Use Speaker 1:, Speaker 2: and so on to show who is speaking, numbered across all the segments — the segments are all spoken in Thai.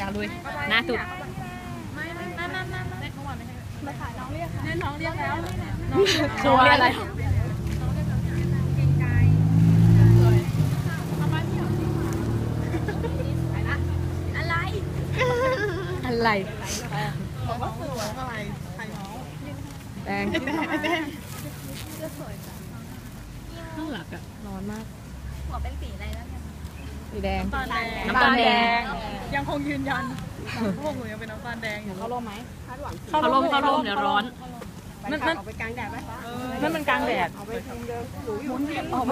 Speaker 1: ากลุยหน้าสุด
Speaker 2: มาถ่ายน้องเรียกค่ะน้องเรียกแล้ว
Speaker 1: ชัวร์อะไรอะไร
Speaker 2: บอกว่าสวยอะไรถ่ายน้อง
Speaker 1: แดงข้างหลักอะร้อนมาก
Speaker 3: หัวเป็นสีอะไรแล้วเนี่ย
Speaker 1: สีแดง
Speaker 2: น้ำตาลแดงยังคงยืนยันพวกหนูยังเป็นน้ำตาลแดงอยู่
Speaker 1: เขาลมไหม
Speaker 2: เขาลม
Speaker 1: เดี๋ยวร้อน
Speaker 2: มันไปกลางแดดไหมนั่นมันกลางแดดหมุน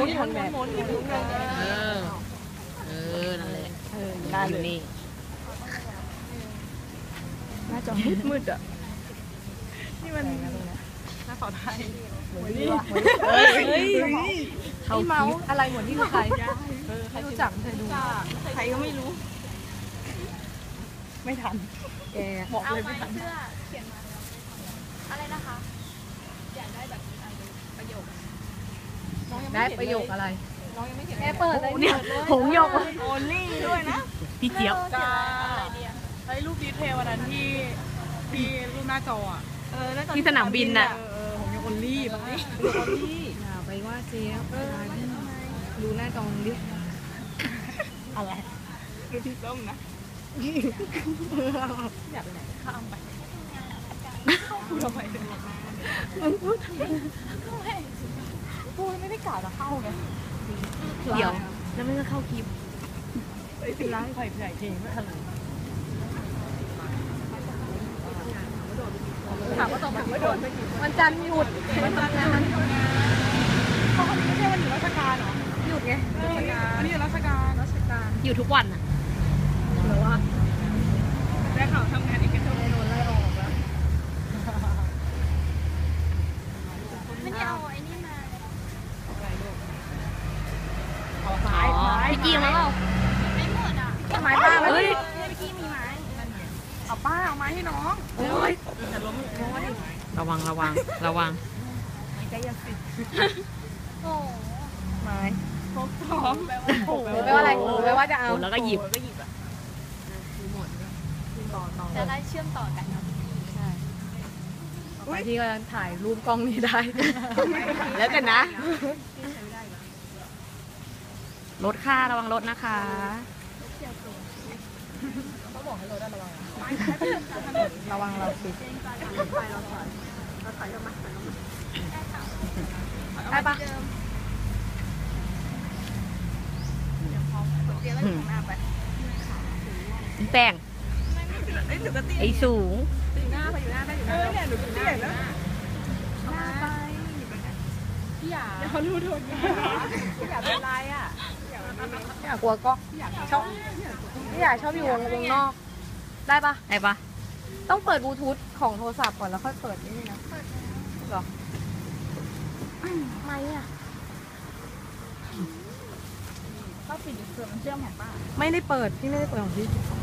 Speaker 1: นั่นแหละได้อยู่นี่
Speaker 2: หน้าจอมืดอ่ะนี่มันหน้าเสาไทย
Speaker 1: เขาเมาอะไรหมดที่คือใคร
Speaker 2: ไม่รู้จักเคยดูใครก็ไม่รู้ไม่ทัน
Speaker 1: แก
Speaker 2: บอกเลยไม่ทัน
Speaker 3: เขียนมาอะไรนะคะอยากได้แบบประโยค
Speaker 1: ได้ประโยคอะไร
Speaker 2: น้องยังไม่เขียน
Speaker 1: เปิดเลยเนี่ยหงยก
Speaker 2: โอลี่ด้วยนะ
Speaker 1: พี่เจี๊ยบ
Speaker 2: ไอ้รูปดีเทลวันนั้นที่รูปหน้าจออ่ะ
Speaker 1: ที่สนามบินน่ะ
Speaker 2: ผมยังโอลี่บ้าง
Speaker 1: อย่าไปว่าเจี๊ยบดูหน้าจอดิ
Speaker 2: อะไรดูที่ส้มนะอยากไปไหนข้ามไปพูดทำไมพูดไม่ได้กล่าวจะเข้าไง
Speaker 1: เดี๋ยวแล้วไม่ก็เข้าคลิป
Speaker 2: เป็นร้านไผ่ใหญ่จริงไม่ทันเลยถามว่าตรงไม่โดน
Speaker 1: วันจันทร์หยุด
Speaker 2: วันจันทร์เขาคนนี้ไม่ใช่วันหยุดราชการเหรอ
Speaker 1: หยุดไง
Speaker 2: วันนี้หยุดราชการ
Speaker 1: อยู่ทุกวันอ่ะหรือว่า
Speaker 2: ได้ข่าวทำงานอีกแค่โดนไล่ออกแล้ว
Speaker 3: ไม่ได้เอาไอ้นี่มา
Speaker 1: พี่กี้มาเปล่า
Speaker 3: ไม่หมดอ่ะ
Speaker 2: ไม้ป้าแล้ว
Speaker 3: เมื่อกี้มีไม้
Speaker 2: เอาป้าเอาไม้ให้น้องแต่ล้ม
Speaker 1: ระวัง
Speaker 2: ใจเย็นสิ
Speaker 3: โอ้
Speaker 1: ไม้
Speaker 2: พกท้องแปล
Speaker 1: ว่าอะไรแปลว่าจะเอาแล้วก็หยิบ
Speaker 2: อ่ะ
Speaker 3: จะได้เชื่อมต่อกันเนาะ
Speaker 1: ใช่ไปที่ก็ถ่ายรูปกล้องนี้ได้แล้วกันนะรถค่าระวังรถนะคะ
Speaker 2: เขาบอกให้เราได้ระวัง
Speaker 1: เราสิ
Speaker 2: เราถอยออกมา
Speaker 1: ได้ปะแป้งไอ้สูง
Speaker 2: อยู่หน้าไปอยู่หน้าได้อยู่หน้าเนี่ยหนูถึงหน้าแล้วหน้าไปพี่อยากเขารู้ทุนพี่อยากเป็นไรอ่ะ
Speaker 1: อยากกลัวก็ชอบพี่อยากชอบอยู่วงนอกได้ปะต้องเปิดบลูทูธของโทรศัพท์ก่อนแล้วค่อยเปิดนี่นะหรอไม่อ่ะ
Speaker 3: ก็ปิดเครื่องมันเชื่อมของป้า
Speaker 1: ไม่ได้เปิดพี่ไม่ได้เปิดของพี่